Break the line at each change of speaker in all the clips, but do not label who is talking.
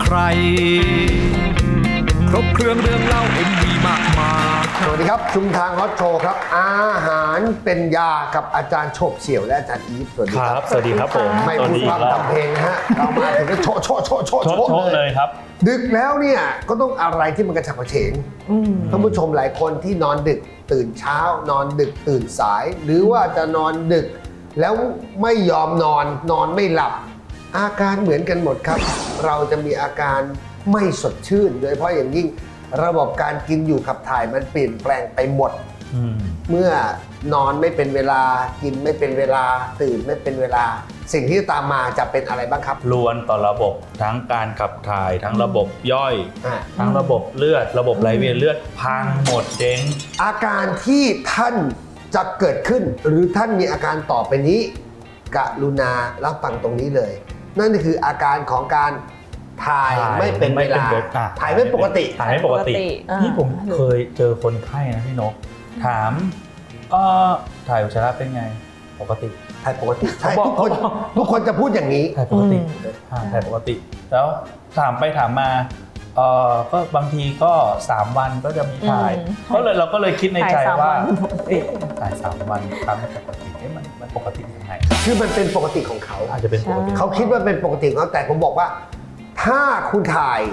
ใครครบเครื่องเรื่องเล่าMVมากมาย
สวัสดีครับชุมทางฮอตโชว์ครับอาหารเป็นยากับอาจารย์โฉบเฉี่ยวและอาจารย์อีฟสวัสดี
ค
ค
รั
รั
บบ สวัสดีครับผม
ไม่พูดพร่ำทำเพลงนะฮะเรามาถึงก็โชะโชะโชะโชะ
โช
โชะ
ว์เลยครับ
ดึกแล้วเนี่ยก็ต้องอะไรที่มันกระฉับกระเฉงท่านผู้ชมหลายคนที่นอนดึกตื่นเช้านอนดึกตื่นสาย หรือว่าจะนอนดึก แล้วไม่ยอมนอนไม่หลับ อาการเหมือนกันหมดครับ เราจะมีอาการไม่สดชื่น โดยเฉพาะอย่างยิ่งระบบการกินอยู่ขับถ่ายมันเปลี่ยนแปลงไปหมด เมื่อนอนไม่เป็นเวลากินไม่เป็นเวลาตื่นไม่เป็นเวลา สิ่งที่ตามมาจะเป็นอะไรบ้างครับ
ล้วนต่อระบบทั้งการขับถ่ายทั้งระบบย่อย
อ่ะ
ทั้งระบบเลือด ระบบไหลเวียนเลือดพังหมดเจ๊ง
อาการที่ท่านจะเกิดขึ้น หรือท่านมีอาการต่อไปนี้กรุณารับฟังตรงนี้เลย นั่นก็คืออาการของการถ่ายไม่เป็นเวลาถ่ายไม่ปกติ
ถ่ายไม่ปกติ นี่ผมเคยเจอคนไข้นะพี่นก ถามถ่ายอุจจาระเป็นไงปกติ
ถ่ายปกติใช่
เขาบอก
ทุกคนจะพูดอย่างนี้
ถ่ายปกติถ่ายปกติ แล้วถามไปถามมาก็บางทีก็3 วันก็จะมีถ่ายเราก็เลยคิดในใจว่าถ่าย3 วันครั้งปกติมันปกติยังไง
คือมันเป็นปกติของเขา
อาจจะเป็นปกติ
เขาคิดว่าเป็นปกติของเขาแต่ผมบอกว่า ถ้าคุณถ่าย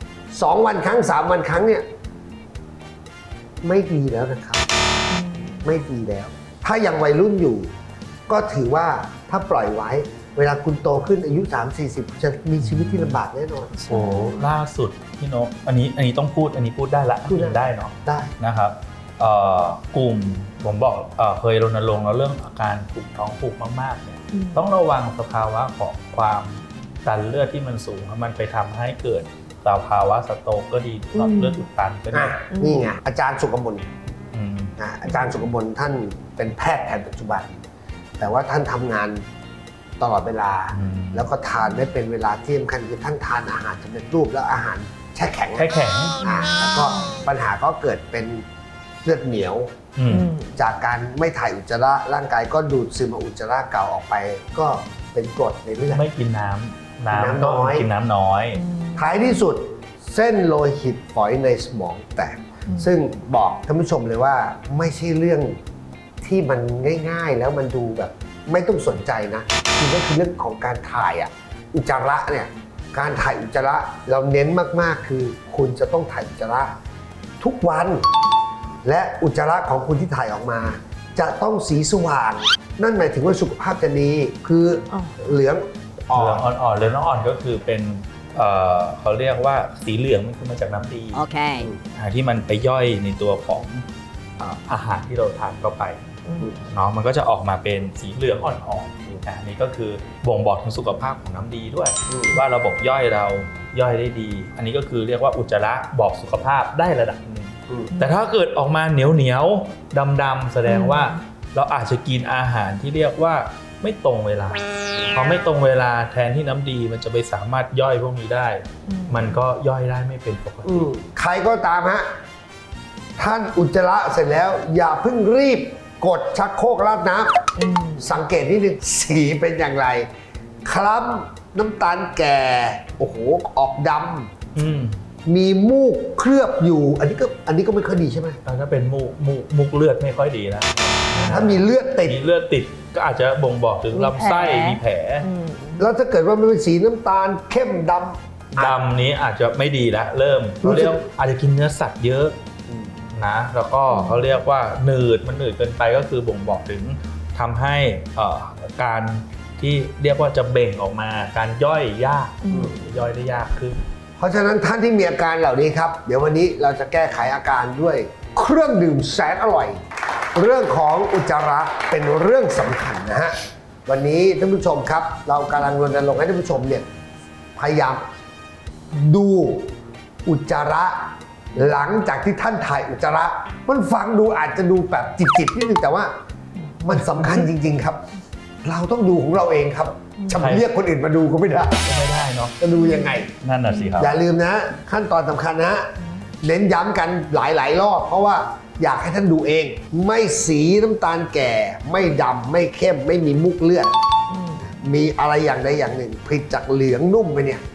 2 วันครั้ง3 วันครั้งเนี่ยไม่ดีแล้วนะครับ ไม่ดีแล้ว ถ้ายังวัยรุ่นอยู่ ก็ถือว่าถ้าปล่อยไว้ เวลาคุณโตขึ้นอายุ 30-40 จะมีชีวิตที่ลำบากแน่นอน
โอ้ล่าสุดพี่นกอันนี้ต้องพูดอันนี้พูดได้ละ
พูดได้
เนาะ
ได้
นะครับกลุ่มผมบอกเคยรณรงค์แล้วเรื่องอาการกลุ่มท้องผูกมากๆเนี่ยต้องระวังสภาวะของความดันเลือดที่มันสูงมันไปทำให้เกิดสภาวะสโตรกก็ดีหลอดเลือดอุดตันก็ดี
นี่ไงอาจารย์สุกมล
อืม
อาจารย์สุกมลท่านเป็นแพทย์แผนปัจจุบัน แต่ว่าท่านทำงานตลอดเวลา แล้วก็ทานไม่เป็นเวลาที่สำคัญคือท่านทานอาหารสำเร็จรูปแล้วอาหารแช่แข็ง
แค่แข็ง
แล้วก็ปัญหาก็เกิดเป็นเลือดเหนียว จากการไม่ถ่ายอุจจาระร่างกายก็ดูดซึมเอาอุจจาระเก่าออกไป ก็เป็นกรดในเลือด
ไม่กินน้ำ
น้อย
กินน้ำน้อย
ท้ายที่สุดเส้นโลหิตฝอยในสมองแตก ซึ่งบอกท่านผู้ชมเลยว่าไม่ใช่เรื่องที่มันง่ายๆ แล้วมันดูแบบไม่ต้องสนใจนะคือก็คือเรื่องของการถ่ายอุจจาระเนี่ยการถ่ายอุจจาระเราเน้นมากๆคือคุณจะต้องถ่ายอุจจาระทุกวัน และอุจจาระของคุณที่ถ่ายออกมา จะต้องสีสว่าง นั่นหมายถึงว่าสุขภาพจะดีคือเหลืองอ่
เหลื
อ
อน งอ่อนๆเหลืองอ่อนก็คือเป็นเขาเรียกว่าสีเหลืองมันคือมาจากน้ำดี
Okay.
ที่มันไปย่อยในตัวของอาหารที่เราทานเข้าไปเนาะมันก็จะออกมาเป็นสีเหลืองอ่อนๆอันนี้ก็คือบ่งบอกถึงสุขภาพของน้ำดีด้วย ว่าระบบย่อยเราย่อยได้ดี อันนี้ก็คือเรียกว่าอุจจาระบอกสุขภาพได้ระดับหนึ่งแต่ถ้าเกิดออกมาเหนียวดำๆแสดงว่าเราอาจจะกินอาหารที่เรียกว่าไม่ตรงเวลาพอไม่ตรงเวลาแทนที่น้ำดีมันจะไปสามารถย่อยพวกนี้ได้ มันก็ย่อยได้ไม่เป็นปกติ
ใครก็ตามฮะท่านอุจจาระเสร็จแล้วอย่าเพิ่งรีบกดชักโครกราดน้ำสังเกตนิดนึงสีเป็นอย่างไรคล้ำน้ำตาลแก่โอ้โหออกดำมีมูกเคลือบอยู่ อันนี้ก็ไม่ค่อยดีใช่ไหม
ถ้าเป็นมูกเลือดไม่ค่อยดีนะ
ถ้ามีเลือดติด
มีเลือดติดก็อาจจะบ่งบอกถึงลำไส้มีแผล
แล้วถ้าเกิดว่ามันเป็นสีน้ำตาลเข้มดำ
ดำนี้อาจจะไม่ดีแล้วเริ่มเขาเรียกอาจจะกินเนื้อสัตว์เยอะนะแล้วก็เขาเรียกว่าหนืดเกินไปก็คือบ่งบอกถึงทำให้การที่เรียกว่าจะเบ่งออกมาการย่อยยากย่อยได้ยากขึ้น
เพราะฉะนั้นท่านที่มีอาการเหล่านี้ครับเดี๋ยววันนี้เราจะแก้ไขอาการด้วยเครื่องดื่มแสนอร่อย เรื่องของอุจจาระเป็นเรื่องสำคัญนะฮะวันนี้ท่านผู้ชมครับเรากำลังรณรงค์ให้ท่านผู้ชมเนี่ยพยายามดูอุจจาระหลังจากที่ท่านถ่ายอุจจาระมันฟังดูอาจจะดูแบบจิตๆนิดนึงแต่ว่ามันสำคัญจริงๆครับ เราต้องดูของเราเองครับจะมาเรียกคนอื่นมาดูก็ไม่ได้
ก็ไม่ได้เนาะ
จะดูยังไง
นั่นน่ะสิครับ
อย่าลืมนะขั้นตอนสำคัญนะเน้นย้ำกันหลายๆรอบเพราะว่าอยากให้ท่านดูเอง ไม่สีน้ำตาลแก่ ไม่ดำไม่เข้มไม่มีมุกเลือดมีอะไรอย่างใดอย่างหนึ่งผิดจากเหลืองนุ่มไปเนี่ย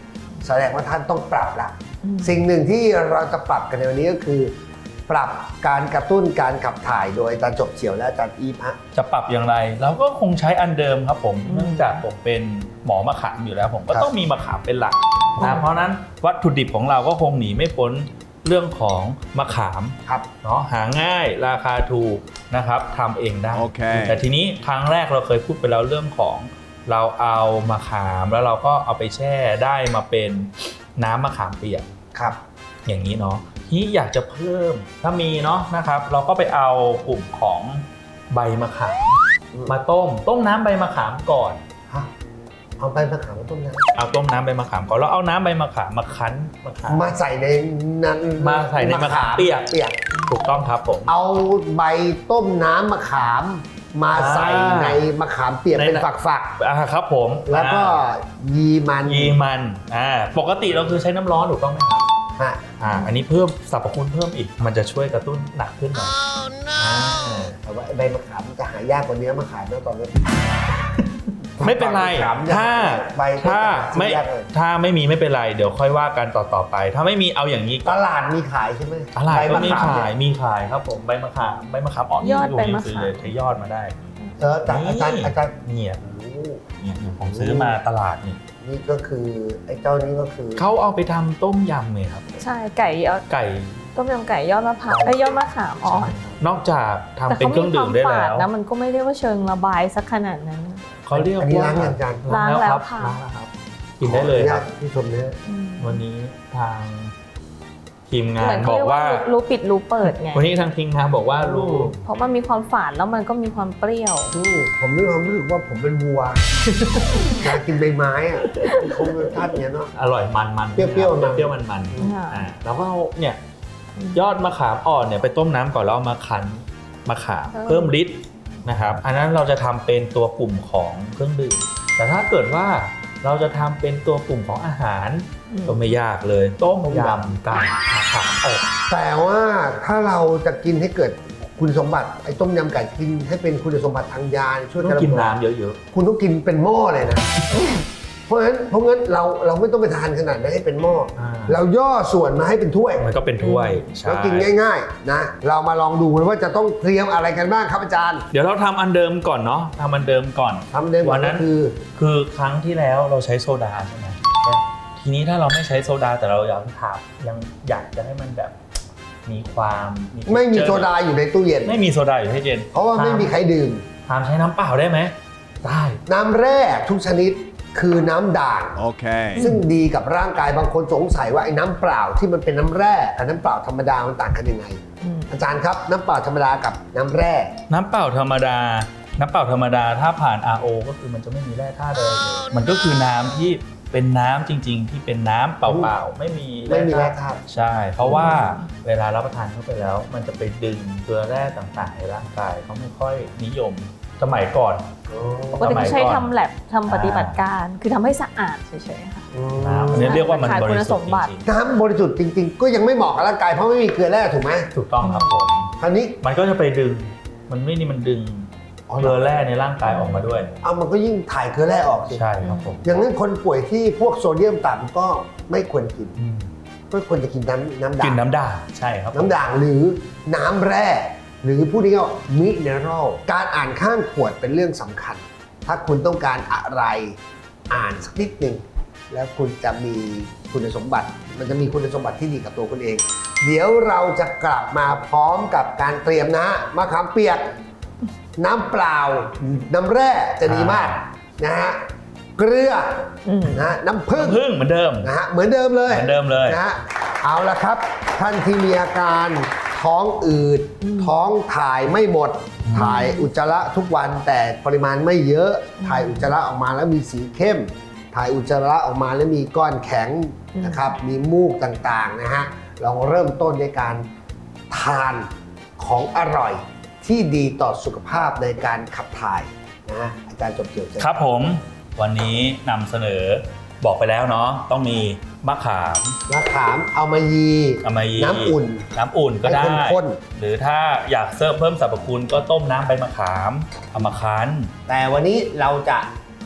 แสดงว่าท่านต้องปรับละสิ่งหนึ่งที่เราจะปรับกันในวันนี้ก็คือ ปรับการกระตุ้นการขับถ่ายโดยอาจารย์จบเฉียวและอาจารย์อีฟฮะ
จะปรับอย่างไรเราก็คงใช้อันเดิมครับผมเนื่องจากผมเป็นหมอมะขามอยู่แล้วผมก็ต้องมีมะขามเป็นหลักนะเพราะนั้นวัตถุดิบของเราก็คงหนีไม่พ้นเรื่องของมะขาม
ครับ
เนาะหาง่ายราคาถูกนะครับทำเองได้
โอเค
แต่ทีนี้ครั้งแรกเราเคยพูดไปแล้วเรื่องของเราเอามะขามแล้วเราก็เอาไปแช่ได้มาเป็นน้ำมะขามเปียก
ครับ
อย่างนี้เนาะที่อยากจะเพิ่มถ้ามีเนาะนะครับเราก็ไปเอากลุ่มของใบมะขามมาต้มน้ำใบมะขามก่อน
ฮะเอาไปมะขามมาต้มน้
เอาต้มน้ำใบมะขามก่อนแล้วเอาน้ำใบมะขามมาคั้นมะขาม
ำมาใส่ในนั้น
มาใส่ในมะขามเปียก ถูกต้องครับผม
เอาใบต้มน้ำมะขามมาใส่ในมะขามเปียกเป็นฝัก
ครับผม
ๆแล้วก็ยีมัน
ยีมันปกติเราคือใช้น้ำร้อนถูกต้องไหมครับ
ฮะ
อันนี้เพิ่มสรรพคุณเพิ่มอีกมันจะช่วยกระตุ้นหนักขึ้นหน่อย
แต่ว่าใบมะขามมันจะหา ยากกว่าเนื้อมะขามนะตอนนี้
ไม่เป็นไร
ใบ
ถ้าไม่
ยากเลย
ถ้าไม่มีไม่เป็นไรเดี๋ยวค่อยว่ากันต่อไป ถ้าไม่มีเอาอย่างนี้
ตลาดมีขายใช่ไหม
ตลาดก็มี
ใบะ
ขายมีขายครับผมใบมะขามอ่อน
ยอดใบมะขาม
ซื้อเลยใช้ยอดมาได้
แต่อาจารย์
เนี่ย
โอ้
ผมซื้อมาตลาดนี่
นี่ก็คือไอ้เจ้านี้ก็คือ
เขาเอาไปทำต้มยำเลยครับ
ใช่ไก่ยอด
ไก่
ต้มยำไก่ยอดมะพร้าวไอ้ยอดมะขามอ่อน
นอกจากทำ
แต่
เป็น
เขา
เครื่
มี
อง
ค
ดื่
วาม
มได้
ฝา
แล้
ด
ว
นะมันก็ไม่ได้ว่าเชิงระบายสักขนาดนั้น
เขาเรียก
อันนี้
ว่า
ล้างอย่างอาจารย์
ล้างแล้วค่ะ
ล้างแล้วครับกินได้เลยครับ
ที่ชมเนี่ย
อืม
วันนี้ทางทีมงา
เหมื
น
อน
บ
เขา
อก
เรียกว่า
ว่า
รู้ปิดรู้เปิดไง
วันนี้ทางทีมงานบอกว่ารู้
เพราะมันมีความฝาดแล้วมันก็มีความเปรี้ยว
ผมมีความรู้สึกว่าผมเป็นวัว อยากกินใบไม้อะคงเป็นท่านเนี้ยเนาะ
อร่อยมัน
เปรี้ยวๆมัน
เปรี้ยวๆมัน
ค่ะ
แล้วก็เอาเนี่ยยอดมะขามอ่อนเนี่ยไปต้มน้ำก่อนแล้วเอามาคั้นมะขามเพิ่มฤทธิ์นะครับอันนั้นเราจะทำเป็นตัวกลุ่มของเครื่องดื่มแต่ถ้าเกิดว่าเราจะทำเป็นตัวกลุ่มของอาหารก็ไม่ยากเลยต้มยำไก่มะขามอบ
แต่ว่าถ้าเราจะกินให้เกิดคุณสมบัติไอ้ต้มยำไก่กินให้เป็นคุณสมบัติทางยาช่วย
ต้องกินน้ำเยอะ
คุณต้องกินเป็นหม้อเลยนะ เพราะงั้นเราไม่ต้องไปทานขนาดนั้นให้เป็นหม้อ เราย่อส่วนมาให้เป็นถ้วย
ๆมันก็เป็นถ้วยใช่
แล้วกินง่ายๆนะเรามาลองดูว่าจะต้องเตรียมอะไรกันบ้างครับอาจารย์
เดี๋ยวเราทำอันเดิมก่อนเนาะทำอันเดิมก่อน
ทำเดิม
วันนั้น
ก็คือ
คือครั้งที่แล้วเราใช้โซดาใช่ไหมทีนี้ถ้าเราไม่ใช้โซดาแต่เรายังอยากจะให้มันแบบมีความ
ไม่มีโซดาอยู่ในตู้เย็น
ไม่มีโซดาอยู่ให้เย็น
เพราะว่าไม่มีใครดื่ม
ถามใช้น้ำเปล่าได้ไหมได้
น้ำแร่ทุกชนิดคือน้ำด่าง
Okay.
ซึ่งดีกับร่างกายบางคนสงสัยว่าไอ้น้ำเปล่าที่มันเป็นน้ำแร่กับน้ำเปล่าธรรมดามันต่างกันยังไง อาจารย์ครับน้ำเปล่าธรรมดากับน้ำแร่
น้ำเปล่าธรรมดาถ้าผ่าน RO ก็คือมันจะไม่มีแร่ธาตุเลยมันก็คือน้ำที่เป็นน้ำจริง ๆ ที่เป็นน้ำเปล่าๆไม่มี
ไม่มีแร่ธาตุ
ใช่ เพราะว่าเวลารับประทานเข้าไปแล้ว มันจะไปดึงเกลือแร่ต่างๆในร่างกายเขาไม่ค่อยนิยมสมัยก่อน
ปกติเขาใช้ทำแลบทำปฏิบัติการคือทำให้สะอาดเฉยๆค่ะ
น้ำอันนี้เรียกว่ามัน
ขาด
บ
คุ
ริ
ณ
สุ
ส
ท
ม
ธิ์
บัติ
จริง
น้ำบริสุทธิ์จริงๆ ก็ยังไม่เหมาะกับร่างกายเพราะไม่มีเกลือแร่ถูกไหม
ๆถูกต้องครับผม
คราวนี้
มันก็จะไปดึงมันดึงเกลือแร่ในร่างกายออกมาด้วย
เอามันก็ยิ่งถ่ายเกลือแร่ออกสิ
ใช่ครับผม
อย่างนั้นคนป่วยที่พวกโซเดียมต่ำก็ไม่ควรกินก็ควรจะกินน้ำด่าง
กินน้ำด่างใช่ครับผม
น้ำด่างหรือน้ำแร่หรือพูดง่ายๆมิเนอรัลการอ่านข้างขวดเป็นเรื่องสำคัญ ถ้าคุณต้องการอะไรอ่านสักนิดหนึ่งแล้วคุณจะมีคุณสมบัติ มันจะมีคุณสมบัติที่ดีกับตัวคุณเอง เดี๋ยวเราจะกลับมาพร้อมกับการเตรียมนะมะขามเปียก น้ำเปล่า น้ำแร่จะดีมากนะฮะเกลือนะน้ำผึ้ง
พึ่งเหมือนเดิม
นะฮะเหมือนเดิมเลย
เหมือนเดิมเลย
นะฮะเอาละครับท่านที่มีอาการท้องอืดท้องถ่ายไม่หมด ถ่ายอุจจาระทุกวันแต่ปริมาณไม่เยอะ ถ่ายอุจจาระออกมาแล้วมีสีเข้ม ถ่ายอุจจาระออกมาแล้วมีก้อนแข็งนะครับมีมูกต่างๆนะฮะลองเริ่มต้นด้วยการทานของอร่อยที่ดีต่อสุขภาพในการขับถ่ายนะฮะอาจารย์จบเกี่ยวเชิญ
ครับผมวันนี้นำเสนอบอกไปแล้วเนาะต้องมีมะขาม
มะขามเอามายี
เอามายี
น้ำอุ่น
น้ำอุ่นก็ได้
ให้ข้น
หรือถ้าอยากเพิ่มสรรพคุณก็ต้มน้ำใบมะขามเอามาคั้น
แต่วันนี้เราจะ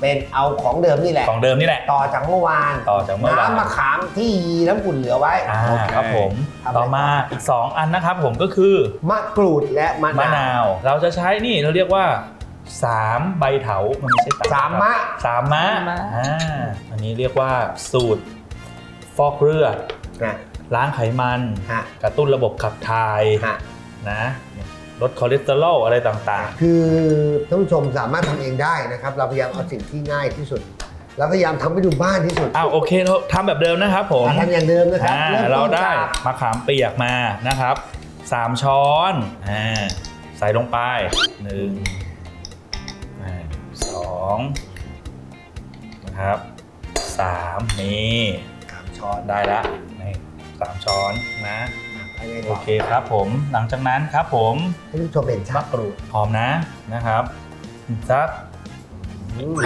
เป็นเอาของเดิมนี่แหละ
ของเดิมนี่แหละ
ต่อจากเมื่อวาน
ต่อจากเมื่อวาน
น้ำมะขามที่น้ำอุ่นเหลือไว้
โอเคครับผม
ทำอะไรต่อ
ต่อมาอีก 2 อันนะครับผมก็คือ
มะกรูดและมะ
มะ
นาน
าว วเราจะใช้นี่เราเรียกว่า3ใบเถามันไม่ใช่
สามมะ
สามมะ
สามมะ
อันนี้เรียกว่าสูตรฟอกเลือด
นะ
ล้างไขมัน
ฮะ
กระตุ้นระบบขับถ่าย
ฮะ
นะลดคอเลสเตอรอลอะไรต่าง
คือท่านผู้ชมสามารถทำเองได้นะครับ เราพยายามเอาสิ่งที่ง่ายที่สุด แล้วพยายามทำให้ดูบ้านที่สุด
ๆโอเคเราทำแบบเดิมนะครับผม
ทำอย่างเดิมนะครับ
เรา
ต้น
ได้
จาก
มะขามเปียกมานะครับ3 ช้อนใส่ลงไป2นะครับ3นี่
3 ช้อน
ได้ละนี่3 ช้อนนะ
ภายใน
โอเคครับผมหลังจากนั้นครับผม
ให้ท่านผู้ชมเห็นชั
มะ
ด
กรูดหอมนะครับสัก
อืม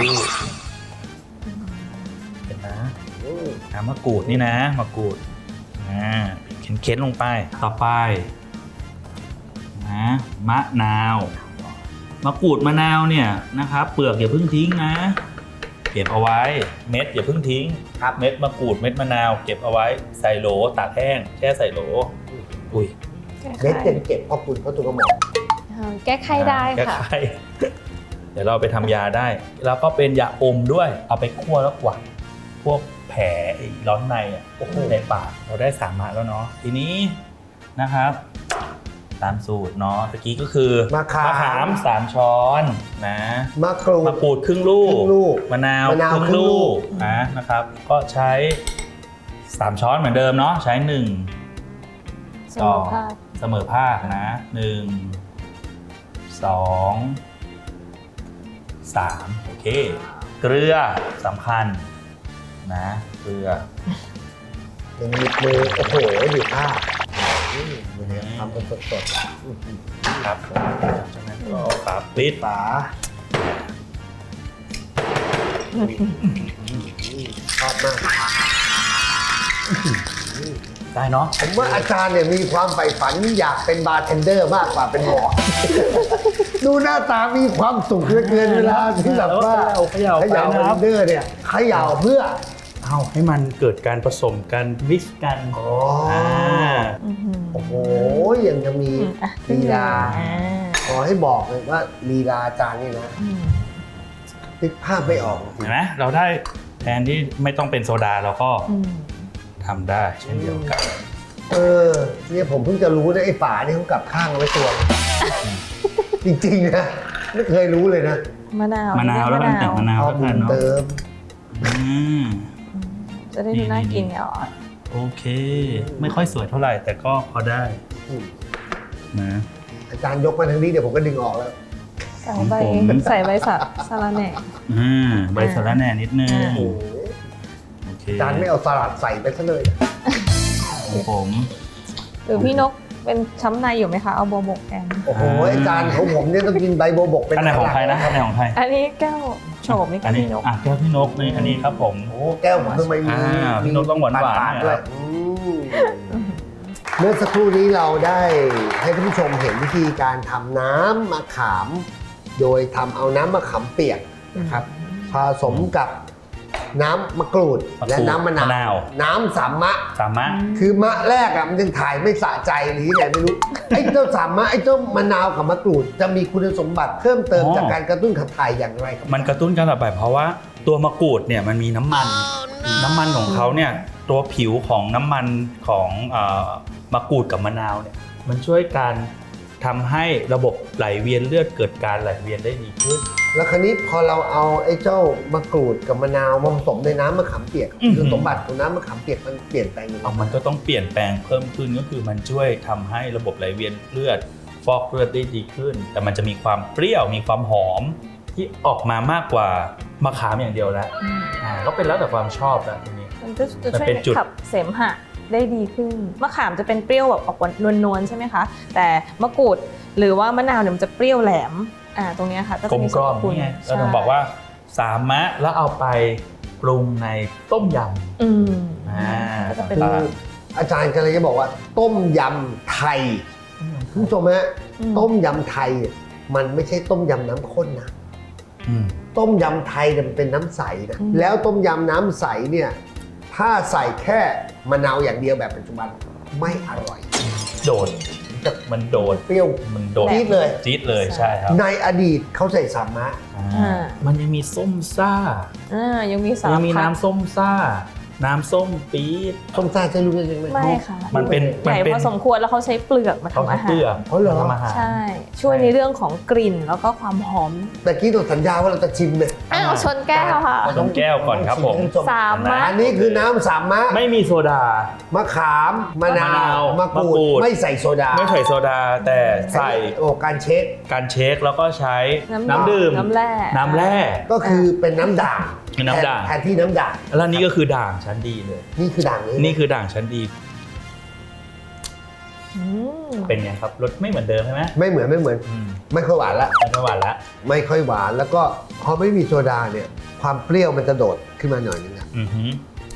เห็นนะ
อืม
มะกรูดนี่นะมะกรูดเข็นๆลงไปต่อไปนะมะนาวมะกรูดมะนาวเนี่ยนะครับเปลือกอย่าเพิ่งทิ้งนะเก็บเอาไว้เม็ดอย่าเพิ่งทิ้ง
ครับ
เม็ดมะกรูดเม็ดมะนาวเก็บเอาไว้ใส่โหลตากแห้งแช่ใส่โหลอุ้ย
เม็ดยังเก็บพ่อคุณพ่อตุกระหม่อม
แก้ไขได้
แก้
ค่ะ
ไข เดี๋ยวเราไปทำยาได้ แล้วก็เป็นยาอมด้วยเอาไปคั่วแล้วกวักพวกแผลไอ้ร้อนในในปากเราได้3 มะแล้วเนาะทีนี้นะครับตามสูตรเนาะตะกี้ก็คือ
มะขาม
3 ช้อนนะ
มะกรู
มะ
ด
กรูดครึ่งลู
ครึ่งลูก
มะนาว
มะนาว
ครึ่ง
ครึ่งลู
ลู
ก
กนะครับก็ใช้3 ช้อนเหมือนเดิมเนาะใช้1
เสมอภาค
เสมอภาคนะ1 2 3โอเค เกลือสำคัญนะเกลือ
ยังมีมือโอ้โหดูภาพเนี่ยทำเป็นสดๆ
ครับผมจากนั้นก็ฝาปิด
ฝาชอบมาก
ได้เนาะ
ผมว่าอาจารย์เนี่ยมีความใฝ่ฝันอยากเป็นบาร์เทนเดอร์มากกว่าเป็นหมอ ดูหน้าตามีความสุขเหลือเกินเวลาที่แบบว่า
เขย่า
เขย่า
ไป
เท
นะครับ
นเดอร์เนี่ยเขย่าเพื่อ
เอาให้มันเกิดการผสมกันมิกซ์กัน
อ๋อ
โอ้โห
โอ้โหยังจะมีลีลา
อ่า
ขอให้บอกเลยว่าลีลาอาจารย์นี่นะนึกภาพไม่ออกจริ
เห็
ง
นไหมเราได้แทนที่ไม่ต้องเป็นโซดาเราก็
อืม
ทำได้เช่นเดียวกัน
เนี่ยผมเพิ่งจะรู้นะไอ้ฝาเนี่ยเขากลับข้างเอาไว้ตัว จริงๆนะไม่เคยรู้เลยนะ
มะนาว
มะนาวแล้วกันแต่มะนาว
เอา
แล้ว
บุ
กัน
ญ
เนาะ
เติม
อืม
จะได้ดูน่ากินไงอ๋อ
โอเค ไม่ค่อยสวยเท่าไหร่แต่ก็พอได้นะ
อาจารย์ยกมาทางนี้เดี๋ยวผมก็ดึงออกแล้ว
ใส่ใบสะระแหน่
ใบสะระแหน่นิดนึง
โอ้โห
โอเค
อาจารย์ไม่เอาสลัดใส่ไปซะเลย
ของผม
หรือพี่นกเป็นช้ำในอยู่ไหมคะ เอาโบวบกแกง
โอ้โหอาจารย์ของผมเนี่ยต้องกินใบโบวบกเป็น
อันไหนของใครนะอันไหนของใคร
อันนี้แก้วโฉมนี่
อั
ก็
นนี้
พี่นก
แก้วพี่นกนี่อันนี้ครับผม
โอ้โหแก้วผมทำไมมี
พี่นกต้องหวานๆ
ปาดๆด้วย
นะครับ
เมื่อสักครู่นี้เราได้ให้ท่านผู้ชมเห็นวิธีการทำน้ำมะขาม โดยทำเอาน้ำมะขามเปียกนะครับผสมกับน้ำมะกรูดและน้ำมะนาว น้ำสามมะ
สามารถ
คือมะแรกอะมันยังถ่ายไม่สะใจหรือยังไงไม่รู้ ไอ้เจ้าสามมะไอ้เจ้ามะนาวกับมะกรูดจะมีคุณสมบัติเพิ่มเติมจากการกระตุ้นขับถ่ายอย่างไรครับ
มันกระตุ้นการระบายเพราะว่าตัวมะกรูดเนี่ยมันมีน้ำมันน้ำมันของเขาเนี่ยตัวผิวของน้ำมันของมะกรูดกับมะนาวเนี่ยมันช่วยการทำให้ระบบไหลเวียนเลือดเกิดการไหลเวียนได้ดีขึ้น
แล้วคราวนี้พอเราเอาไอ้เจ้ามะกรูดกับมะนาวมาผสมในน้ำมะขามเปียก
อื้อหือ
คุณสมบัติของน้ำมะขามเปียกมันเปลี่ยนแปลงยังไง
เอามันก็ต้องเปลี่ยนแปลงเพิ่มขึ้นก็คือมันช่วยทำให้ระบบไหลเวียนเลือดฟอกเลือดได้ดีขึ้น แต่มันจะมีความเปรี้ยวมีความหอมที่ออกมามากกว่ามะขามอย่างเดียวแล้วก็เป็นแล้วแต่ความชอบแล้วทีนี้
มันจะช่
มัน
วย
เป็นจุด
ขับเสมหะได้ดีขึ้นมะขามจะเป็นเปรี้ยวแบบออกนวลๆใช่ไหมคะแต่มะกรูดหรือว่ามะนาวเนี่ยมันจะเปรี้ยวแหลมตรงเนี้ยค่ะก็
กล
จะ
ม
มี
ก
สร
ล่อ
ร
ม
พคุณ
นี่ไง
ใช่
เราถึงบอกว่าสามมะแล้วเอาไปปรุงในต้มย
อืม
ำ
ก็จะเป็น
คืออาจารย์กำลังจะบอกว่าต้มยำไทยคุณผู้ชมฮะต้มยำไทยมันไม่ใช่ต้มยำน้ำข้นนะ
อืม
ต้มยำไทยเนี่ยมันเป็นน้ำใสนะแล้วต้มยำน้ำใสเนี่ยถ้าใส่แค่มะนาวอย่างเดียวแบบปัจจุบันไม่อร่อย
โดดมันโดด
เปรี้ยว
มันโดด
จี๊ดเลย
จี๊ดเลยใช่ครับ
ในอดีตเขาใส่สามะ
มันยังมีส้มซ่า
ยังมีสาร
ยังมี
พัด
น้ำส้มซ่า น้ำส้มปี๊ด
ส้มซ่าใช่รู้ใช่ไหม
ไม่ค่ะ
มันเป็น
ใหญ่พอสมควรแล้วเขาใช้เปลือกมา
เขา
ทำอา
ใช้
หา
เปลือ
ร
ก
อ๋อเหรอ
ทำอาหาร
ใช่ ช่วยในเรื่องของกลิ่นแล้วก็ความหอม
แต่กี้เราสัญญาว่าเราจะชิมเลย
อ้าวชนแก้วค่ะ
ชนแก้วก่อนครับผม
สามมะ
อันนี้คือน้ำสามะ
ไม่มีโซดา
มะขามมะนาม
ะนาว
มะกรู
มะกรู
ด
ด
ไม่ใส่โซดา
ไม่ใส่โซดาแต่ใส่
โอ้การเช็ค
การเช็คแล้วก็ใช้
น้ำ
น้ำดื่ม
น้ำแร่
น้ำแร่
ก็คือเป็นน้ำด่าง
เป็นน้ำด่าง
แทนที่น้ำด่าง
แล้วนี่ก็คือด่างชั้นดีเลย
นี่คือด่างเลย
นี่คือด่างชั้นดี
อืม
เป็นไงครับรสไม่เหมือนเดิมใช่ไหม
ไม่เหมือน
อืม
ไม่ค่อยหวานละ
ไม่หวานละ
ไม่ค่อยหวานแล้วก็พอไม่มีโซดาเนี่ยความเปรี้ยวมันจะโดดขึ้นมาหน่อยนึงอะ
อือหือก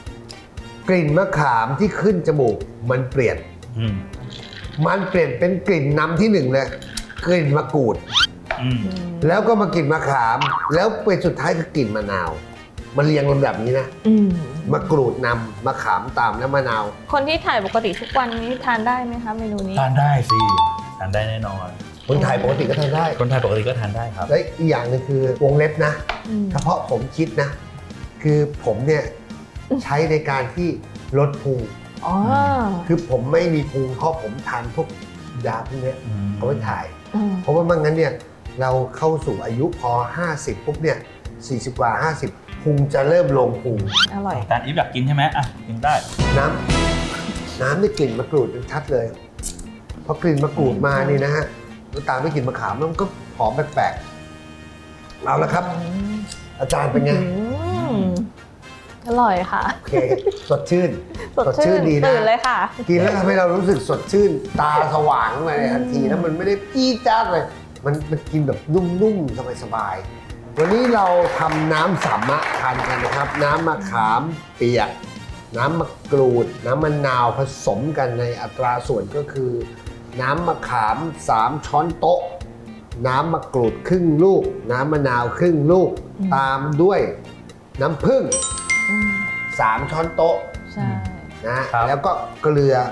ลิ่นมะขามที่ขึ้นจมูกมันเปลี่ยน
อืม
มันเปลี่ยนเป็นกลิ่นนำที่หนึ่งเลยกลิ่นมะกรูด
อืม
แล้วก็มากลิ่นมะขาม แล้วเป็นสุดท้ายคือกลิ่นมะนาว มันเรียงลำดับนี้นะ
อืม
มะกรูดนำมะขามตามแล้วมะนาว
คนที่ถ่ายปกติทุกวันนี้ทานได้ไหมคะเมนูนี้
ทานได้สิทานได้แน่นอน
คนไทยปกติก็ทานได้
คนไทยปกติก็ทานได้ครับ
และอีกอย่างหนึงคือวงเล็บนะ
อืม
เฉพาะผมคิดนะ คือผมเนี่ยใช้ในการที่ลดพุง
อ๋อ
คือผมไม่มีพุงเพราะผมทานพวกยาพวกเนี้ย
อืม
เอาไว้ถ่าย
อืม
เพราะว่าไม่งั้นเนี่ยเราเข้าสู่อายุพอ 50 ปุ๊บเนี่ย 40 กว่า 50 พุงจะเริ่มลงพุง
อร่อย
จานอีฟอยากกินใช่ไหมอ่ะกินได้
น้ำได้กลิ่นมะกรูดชัดเลยพอกลิ่นมะกรูดมานี่นะฮะแล้วตามด้วยกลิ่นมะขามมันก็หอมแปลกๆเอาละครับ อาจารย์เป็นไง
อืมอร่อยค่ะ
โอเค สดชื่น
สดชื่น
ดีนะ
ตื่นเลยค่ะ
กินแล้วทำให้เรารู้สึกสดชื่น ตาสว่างขึ้นมาในทันทีแล้วมันไม่ได้จี้จ้าดเลย มันกินแบบนุ่มๆ สบายๆ วันนี้เราทำน้ำสามะทานกันนะครับ น้ำมะขามเปียก น้ำมะกรูด น้ำมะนาวผสมกันในอัตราส่วนก็คือ น้ำมะขาม 3 ช้อนโต๊ะ น้ำมะกรูดครึ่งลูก น้ำมะนาวครึ่งลูก ตามด้วยน้ำผึ้ง
อืม
3 ช้อนโต๊ะ
ใช่
นะครับ แล้วก็เกลือ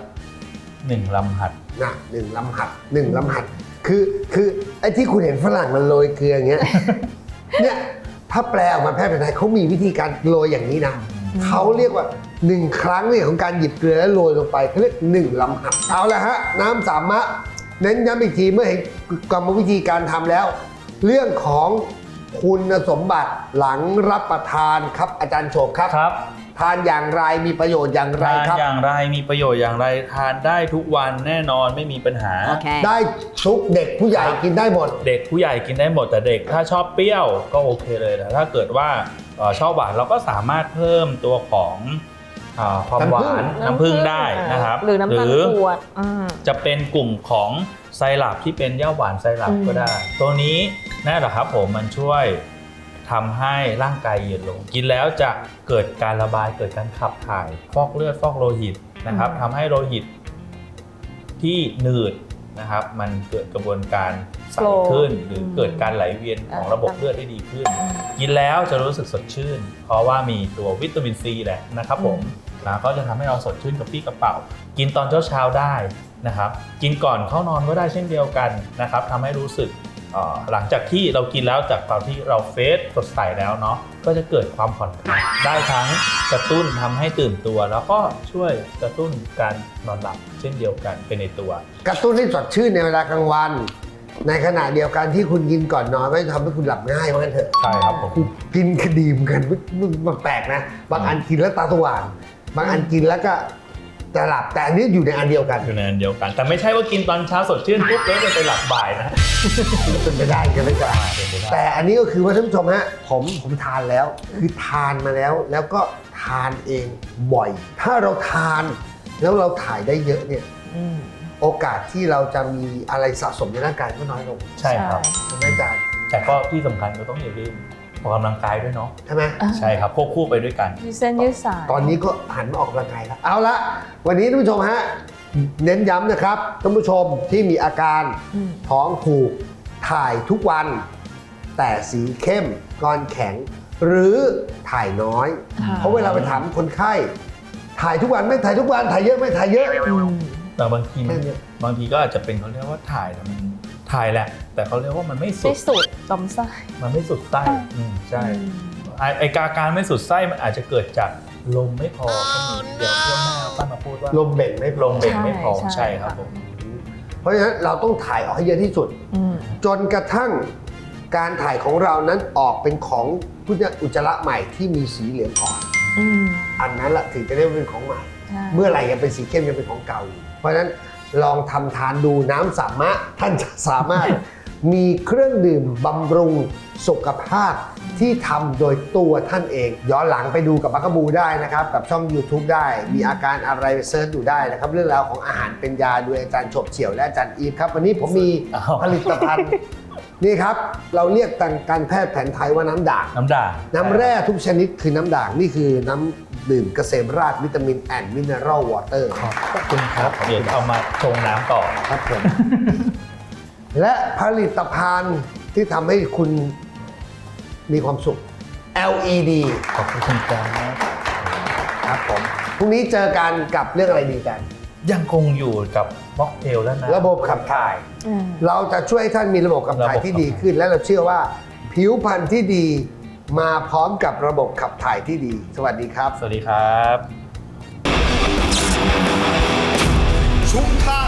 1 ลำหัด
นะ1 ลำหัด1 ลำหัดคือไอ้ที่คุณเห็นฝรั่งมันโรยเกลืออย่างเงี้ย เนี่ยถ้าแปลออกมาแพทย์แผนไทยเขามีวิธีการโรยอย่างนี้นะเขาเรียกว่า 1 ครั้งเนี่ยของการหยิบเกลือแล้วโรยลงไปเขาเรียก1 ลำหัดเอาละฮะน้ำสามะเน้นย้ำอีกทีเมื่อเห็นกรรมวิธีการทำแล้ว เรื่องของคุณสมบัติหลังรับประทานครับอาจารย์โฉบครับ
ครับ
ทานอย่างไรมีประโยชน์อย่างไร
ทาน
ครับ
อย่างไรมีประโยชน์อย่างไรทานได้ทุกวันแน่นอนไม่มีปัญหา
ได้ทุกเด็กผู้ใหญ่กินได้หมด
เด็กผู้ใหญ่กินได้หมดแต่เด็กถ้าชอบเปรี้ยวก็โอเคเลยแต่ถ้าเกิดว่าชอบหวานเราก็สามารถเพิ่มตัวของความหวานน้ำผึ้งได้นะครับ
หรือน้ำตาลกรวด
จะเป็นกลุ่มของไซรัปที่เป็นย่าหวานไซรัปก็ได้ ตัวนี้นั่นแหละครับผมมันช่วยทำให้ร่างกายเย็นลง กินแล้วจะเกิดการระบายเกิดการขับถ่ายฟอกเลือดฟอกโลหิตนะครับทำให้โลหิตที่หนืดนะครับมันเกิดกระบวนการใสขึ้นหรือเกิดการไหลเวียนของระบบเลือดได้ดีขึ้น กินแล้วจะรู้สึกสดชื่น เพราะว่ามีตัววิตามินซีแหละนะครับผมแล้วก็จะทำให้เราสดชื่นกับปี้กระเป๋ากินตอนเช้าได้นะครับกินก่อนเข้านอนก็ได้เช่นเดียวกันนะครับทำให้รู้สึกหลังจากที่เรากินแล้วจากตอนที่เราเฟสสดใสแล้วเนาะก็จะเกิดความผ่อนคลายได้ทั้งกระตุ้นทำให้ตื่นตัว แล้วก็ช่วยกระตุ้นการนอนหลับเช่นเดียวกันเป็นในตัว
กระตุ้นให้สดชื่นในเวลากลางวัน ในขณะเดียวกันที่คุณกินก่อนนอนก็จะทำให้คุณหลับง่ายว่างั้นเถอะ
ใช่ครับผม
กินคดีมกันมันแปลกนะบางอันกินแล้วตาสว่างบางอันกินแล้วก็จะหลับแต่อันนี้อยู่ในอันเดียวกัน
อยู่ในอันเดียวกัน แต่ไม่ใช่ว่ากินตอนเช้าสดชื่นปุ๊บแล้วจะไปหลับบ่ายนะ
เป็นไปได้กันไม่ได้
เป็นไปได้
แต่อันนี้ก็คือว่าท่านผู้ชมฮะผมทานแล้วคือทานมาแล้วก็ทานเองบ่อย ถ้าเราทานแล้วเราถ่ายได้เยอะเนี่ยโอกาสที่เราจะมีอะไรสะสมในร่างกายก็น้อยลง
ใช่ครับ
ใช่ไหมอาจารย์
แต่ก็ที่สำคัญก็ต้องอย่าลืมออกกำลังกายด้วยเนาะ
ใช่ไหม
ใช่ครับควบคู่ไปด้วยกัน
ยืดเส้นยืดสาย
ตอนนี้ก็หันมาออกกำลังกายแล้วเอาละวันนี้ท่านผู้ชมฮะเน้นย้ำนะครับท่านผู้ชมที่มีอาการท้องผูกถ่ายทุกวันแต่สีเข้มก้อนแข็ง หรือถ่ายน้อย
ค่ะ
เพราะเวลาไปถามคนไข้ถ่ายทุกวันไม่ถ่ายทุกวันถ่ายเยอะไม่ถ่ายเยอะ
แต่บางทีมัน
แค่นี้
บางทีก็อาจจะเป็นเขาเรียกว่าถ่ายแต่มันถ่ายแหละ แต่เขาเรียกว่ามันไม่สุ
ไม่
ด
สุดลำไส้
มันไม่สุดไส้ใช่ไอการไม่สุดไส้มันอาจจะเกิดจากลมไม่พอก็มีเดี๋ยวเที่ยวหน้าป้ามาพูดว่า
ลมเบ่งไม่พ
ล
อ
มเบ่งไม่พอ
ใช่
ใช่ครับ
ค่ะ
ผม
เพราะฉะนั้นเราต้องถ่ายออกให้เยอะที่สุด
อืม
จนกระทั่งการถ่ายของเรานั้นออกเป็นของอุจจาระใหม่ที่มีสีเหลืองอ่อน
อืม
อันนั้นแหละถึงจะเรียกว่าเป็นของใหม่
ใช่
เมื่อไหร่ยังเป็นสีเข้มยังเป็นของเก่าอยู่เพราะฉะนั้นลองทำทานดูน้ำสามะท่านจะสามารถ มีเครื่องดื่มบำรุงสุขภาพที่ทำโดยตัวท่านเอง ย้อนหลังไปดูกับบักกะบูได้นะครับ กับช่อง YouTube ได้ มีอาการอะไรไปเซิร์ชดูได้นะครับ เรื่องราวของอาหารเป็นยาโดยอาจารย์ฉบเฉี่ยวและอาจารย์อีฟครับ วันนี้ผมมีผลิตภัณฑ์ นี่ครับ เราเรียกทางการแพทย์แผนไทยว่าน้ำด่าง
น้ำด่าง
น้ำแร่ทุกชนิดคือน้ำด่าง นี่คือน้ำดื่มเกษมราชวิตามินแอนด์มิเนอรัลวอเตอร์
ขอบคุณครับเดี๋ยวเอามาชงน้ำต่อ
ครับผม และผลิตภัณฑ์ที่ทำให้คุณมีความสุข LED
ขอบคุณครับ
ครับผม พรุ่งนี้เจอกันกับเรื่องอะไรดีกัน
ยังคงอยู่กับม็อกเทลแล้วนะ
ระบบขับถ่าย
อืม
เราจะช่วยให้ท่านมีระบบขับถ่ายที่
ระบบขับถ่าย
ดีขึ้น และเราเชื่อว่าผิวพรรณที่ดีมาพร้อมกับระบบขับถ่ายที่ดี สวัสดีครับ
สวัสดีครับ
ชุมทาง